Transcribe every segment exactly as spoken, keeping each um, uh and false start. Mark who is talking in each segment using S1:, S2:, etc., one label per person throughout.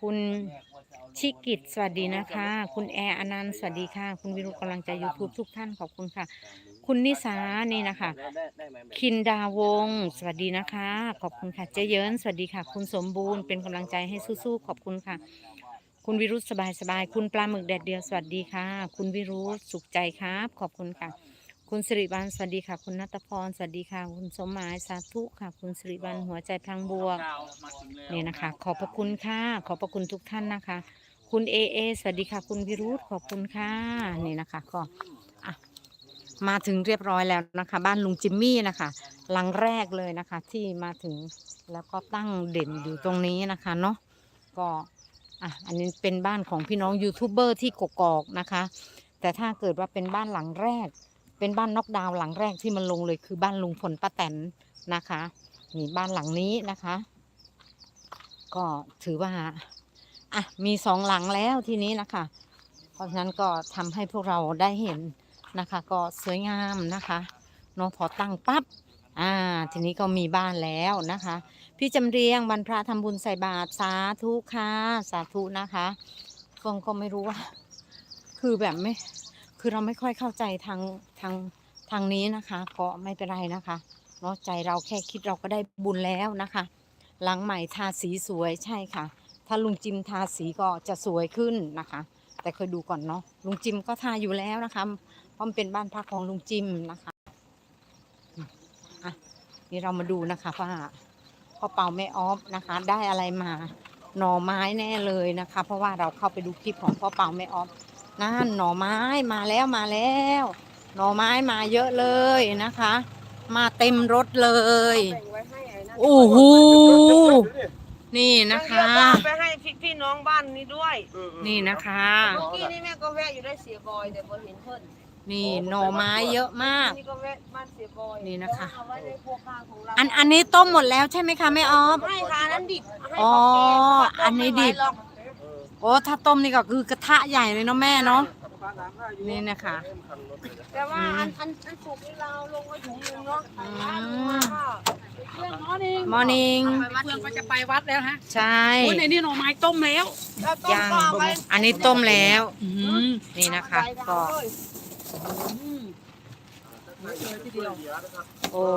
S1: คุณชิกิตสวัสดีนะคะคุณแอร์อนันต์สวัสดีค่ะคุณวิรุธกำลังใจ YouTube ทุกท่านขอบคุณค่ะคุณนิสานี่นะคะคินดาวงศ์สวัสดีนะคะขอบคุณค่ะเจเยินสวัสดีค่ะคุณสมบูรณ์เป็นกำลังใจให้สู้ๆขอบคุณค่ะคุณวิรุธสบายๆคุณปลาหมึกแดดเดียวสวัสดีค่ะคุณวิรุธสุขใจครับขอบคุณค่ะคุณสิริวัลย์สวัสดีค่ะคุณนัทพรสวัสดีค่ะคุณสมหมายสาธุค่ะคุณสิริวัลย์หัวใจพลังบวกนี่นะคะขอบพระคุณค่ะขอบพระคุณทุกท่านนะคะคุณเอเอสวัสดีค่ะคุณวิรุธขอบคุณค่ะนี่นะคะก็อ่ะมาถึงเรียบร้อยแล้วนะคะบ้านลุงจิมมี่นะคะหลังแรกเลยนะคะที่มาถึงแล้วก็ตั้งเด่นอยู่ตรงนี้นะคะเนาะก็อ่ะอันนี้เป็นบ้านของพี่น้องยูทูบเบอร์ที่กกอกนะคะแต่ถ้าเกิดว่าเป็นบ้านหลังแรกเป็นบ้านน็อกดาวน์หลังแรกที่มันลงเลยคือบ้านลุงพลป้าแตนนะคะนี่บ้านหลังนี้นะคะก็ถือว่าอ่ะมีสองหลังแล้วทีนี้นะคะเพราะฉะนั้นก็ทำให้พวกเราได้เห็นนะคะก็สวยงามนะคะเนาะพอตั้งปั๊บอ่าทีนี้ก็มีบ้านแล้วนะคะพี่จำเรียงวันพระทำบุญใส่บาตรสาธุค่ะสาธุนะคะเฟิงก็ไม่รู้ว่าคือแบบไม่คือเราไม่ค่อยเข้าใจทางทางทางนี้นะคะก็ไม่เป็นไรนะคะเนาะใจเราแค่คิดเราก็ได้บุญแล้วนะคะหลังใหม่ทาสีสวยใช่ค่ะถ้าลุงจิมทาสีก็จะสวยขึ้นนะคะแต่เคยดูก่อนเนาะลุงจิมก็ทาอยู่แล้วนะคะเพราะมันเป็นบ้านพักของลุงจิมนะคะอ่ะนี่เรามาดูนะคะว่าพ่อเปาแม่ออฟนะคะได้อะไรมาหน่อไม้แน่เลยนะคะเพราะว่าเราเข้าไปดูคลิปของพ่อเปาแม่ออฟนั่นหน่อไม้มาแล้วมาแล้วหน่อไม้มาเยอะเลยนะคะมาเต็มรถเลยโอ้โหนี่นะคะ
S2: ไปให้พี่น้องบ้านนี้ด้วย
S1: นี่นะคะ
S2: เมื่อกี้นี่แม่ก็แวะอยู่ได้เสียบอยแต่พอเห็นเพิ่น
S1: นี่หน่อไม้เยอะมาก
S2: นี่ก็แวะบ้านเสียบอย
S1: นี่นะคะ
S2: เอาไว้ในครัวกลางของเรา
S1: อันอันนี้ต้มหมดแล้วใช่ไหมคะแม่ออฟ
S2: ให้ค่ะอันนั้นดิบให้
S1: อ๋อ
S2: เขาแกง
S1: อันนี้ดิบ
S2: เขาต้มไม่ไหวหรอก
S1: โอ้ถ้าต้มนี่ก็คือกระทะใหญ่เลยเนาะแม่เนาะนี่นะคะ
S2: แต่ว่าอันอันอันสุกนี่เราลงไว้ถุงนึงเนาะ
S1: อืม
S2: เรื่องน้อนี่
S1: มอร์นิ่ง
S3: เพื่อนก็จะไปวัดแล้วฮะ
S1: ใช่
S3: โอ้ยในนี่หน่อไม้ต้มแล้ว
S2: แล้วต้ม
S1: ยัง
S2: ก็เอาไว้
S1: อันนี้ต้มแล้ว
S3: อืม
S1: นี่นะคะก็
S3: อืมเลยทีเดียว
S1: โอ้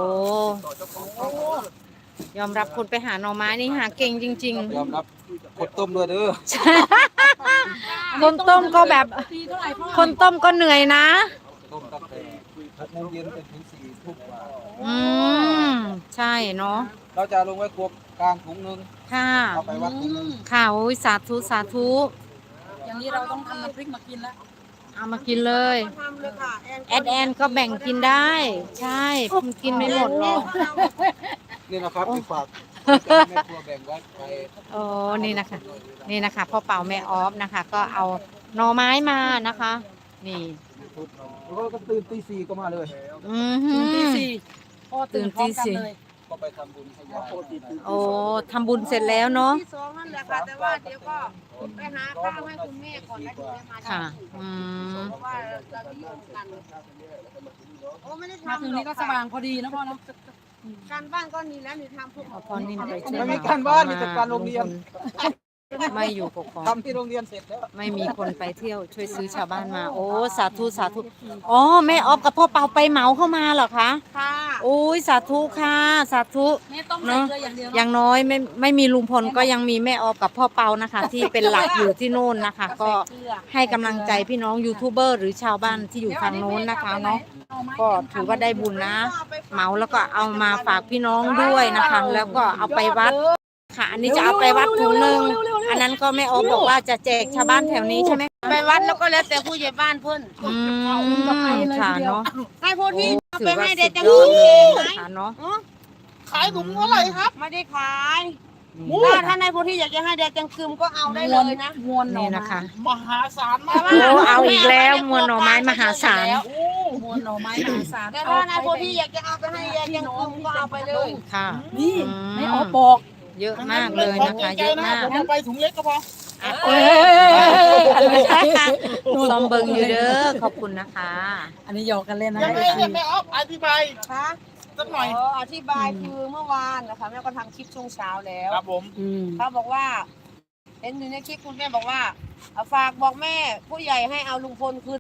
S1: ยอมรับคนไปหาหน่อไม้นี่หาเก่งจริง
S4: ยอมรับคนต้มด้วยเด้อ
S1: ๆ คนต้มก็แบบ
S3: ตีเท่าไหร่พ่อ
S1: คนต้มก็เหนื่อยนะ
S4: ต้มตั้งแต่หกโมงเย็นจนถึงสี่ทุ่มกว่า
S1: อืมใช่เนาะ
S4: เราจะลงไว้ครัวกลางถุงหนึง
S1: ค่ะ
S4: เอาไปวัดถุงหนึง
S1: ค่ะโอ้ยสาธุสาธุ
S3: อย่างนี้เราต้องทำน้ำพริกมากินแล้ว
S1: เอามากินเลย
S2: ทำเลยค่ะ
S1: แอดแอนก็แบ่งกินได้ ใช่มันกินไม่หมดหรอก
S4: นี่นะครับที่ฝากแม่ครัวแบ่งไว้ไป
S1: โอ้นี่นะคะ นี่นะคะพ่อเป่าแม่ออฟนะคะ ก็เอาหน่อไม้มานะคะ นี่
S4: ทุบแล้วก็ตื่นตีสี่ก็มาเลย
S1: อือหื
S3: ตื่นตี
S1: อ
S3: สี่พ่อตื่นพร้อมกันเลย
S4: ก็ไปทำบุญให้ยาย
S1: โอ้ทำบุญเสร็จแล้วเนาะ
S2: ที่สองนั่นแหละค่ะแต่ว่าเดี๋ยวก็ไปหาข้าวให้คุณแม่ก่อนแล้วถึงจะมาท
S1: ค่ะ อืม
S2: ำเพราะว่าเรานิยมกันโอ้ไม่ได้
S3: มา
S2: ทำ
S3: ถึง
S2: หรอ
S3: นี้
S2: ก
S3: ก็ส
S2: ค่ะ
S3: ว่างพอดีนะพ่อเนาะ
S2: การบ้านก็นี่แล้วนี่ทำพวก
S1: เอาพอนี่ไปช่วย
S4: ไม่มีการบ้านมีแต่การโรงเรียน
S1: ไม่อยู่กกอก
S4: ทำที่โรงเรียนเสร็จแล้ว
S1: ไม่มีคนไปเที่ยวช่วยซื้อชาวบ้านมา โอ้สาธุสาธุอ๋อแม่ออฟกับพ่อเปาไปเหมาเข้ามาเหรอคะ
S2: ค่ะ
S1: โอ้ยสาธุค่ะสาธุ
S3: แม่ต้มใส่เกลืออย่างเดียว
S1: อ
S3: เนาะ
S1: ย่างน้อยไม่ไม่มีลุงพลก็ยังมีแม่ออฟกับพ่อเปานะคะ ที่เป็นหลักอยู่ที่โน่นนะคะ ก็ให้กำลังใจพี่น้องยูทูบเบอร์หรือชาวบ้านที่อยู่ทางโน้นนะคะเนาะก็ถือว่าได้บุญนะ เหมาแล้วก็เอามาฝากพี่น้องด้วยนะคะ แล้วก็เอาไปวัดค่ะ อันนี้จะเอาไปวัดถุงหนึ่งอันนั้นก็แม่ออฟบอกว่าจะแจกชาวบ้านแถวนี้ใช่ไหม
S2: ไปวัดแล้วก็แล้วแต่ผู้ใหญ่บ้านเพิ่น
S1: อืมค่ะเนาะ
S2: ให้พวกที่เอา
S1: ถื
S2: ไป
S1: อว่า
S2: ให้
S1: สุ
S2: เด็
S1: ด
S2: กจัง
S1: ยอดเลย
S2: ไหม
S1: นะคะเนาะ
S2: ขายถุงเท่าไหร่ครับ ไม่ได้ขายถ้าท่านในพวกที่อยากจะให้เด็กจังคืมก็เอาได้เลยนะ
S3: มวนหน่อ
S1: นี่
S3: ไม้
S1: นะคะ
S4: มหาศาล
S2: แต่
S4: มาก
S2: ว่า
S1: โอ้เอาอีกแล้วมวลหน่อไม้มหาศาล
S3: มวนหน่อไม้มหาศาล
S2: แต่ถ้าในพวกที่อยากจะเอาไปให้เด็กจังคืมก็เอาไปเลย
S1: ค่ะ
S3: นี่
S1: อืม
S3: ไม่ออกบอก
S1: เยอะมากเลยนะคะ เยอะมาก
S4: ผมไปถุงเล็กก็พอ
S1: เอ้ยซอมเบิงอยู่เด้อขอบคุณนะคะ
S3: อันนี้หยอกกันเล่นนะ
S4: ยังไงเนี่ยแม่ออฟอธิบาย
S2: คะ
S4: สักหน่อย
S2: อ๋ออธิบายคือเมื่อวานนะคะแม่ก็ทำคลิปช่วงเช้าแล้ว
S4: ครับผม
S3: อืม
S2: เขาบอกว่าเห็นอยู่ในคลิปคุณแม่บอกว่าเอาฝากบอกแม่ ผู้ใหญ่ให้เอาลุงพลคืน